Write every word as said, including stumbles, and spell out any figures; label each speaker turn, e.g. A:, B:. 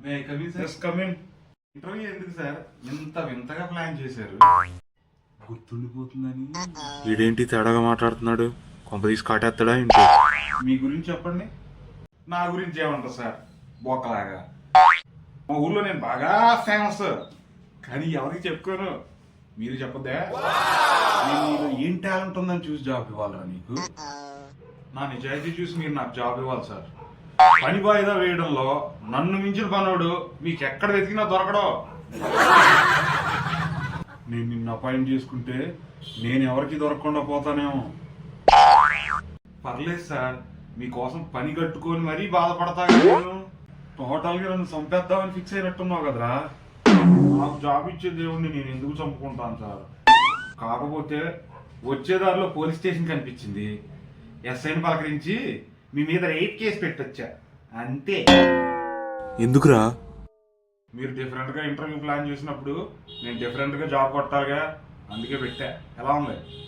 A: Interview ఎందుకు sir ఇంత వింతగా ప్లాన్ చేశారు? గుర్తుండిపోతుందని.
B: వీడేంటి తేడాగా మాట్లాడుతున్నాడు? కొంప తీసి కాటేస్తాడా ఏంటి?
A: మీ గురించి చెప్పండి. నా గురించి ఏమంటారు సార్? బోకలాగా మా ఊర్లో నేను బాగా ఫేమస్, కానీ ఎవరికి చెప్పుకోను. మీరు చెప్పద్దా? నేను నీలో ఏం టాలెంట్ ఉందని చూసి జాబ్ ఇవ్వాలా నీకు? నా నిజాయితీ చూసి మీరు నాకు జాబ్ ఇవ్వాలి సార్. పని వాయిదా వేయడంలో నన్ను మించిన పనోడు మీకు ఎక్కడ వెతికినా దొరకడో. నేను నిన్ను అపాయింట్ చేసుకుంటే నేను ఎవరికి దొరకకుండా పోతానేమో. పర్లేదు సార్, మీకోసం పని కట్టుకొని మరీ బాధపడతా. నేను టోటల్గా నన్ను చంపేద్దామని ఫిక్స్ అయినట్టున్నావు కదరా. నాకు జాబ్ ఇచ్చే దేవుడిని నేను ఎందుకు చంపుకుంటాను సార్? కాకపోతే వచ్చేదారిలో పోలీస్ స్టేషన్ కనిపించింది. ఎస్ఐని పలకరించి మీ మీద రేప్ కేసు పెట్టొచ్చా అంతే.
B: ఎందుకురా?
A: మీరు డిఫరెంట్గా ఇంటర్వ్యూ ప్లాన్ చేసినప్పుడు నేను డిఫరెంట్గా జాబ్ కొట్టాలిగా, అందుకే పెట్టా. ఎలా ఉంది?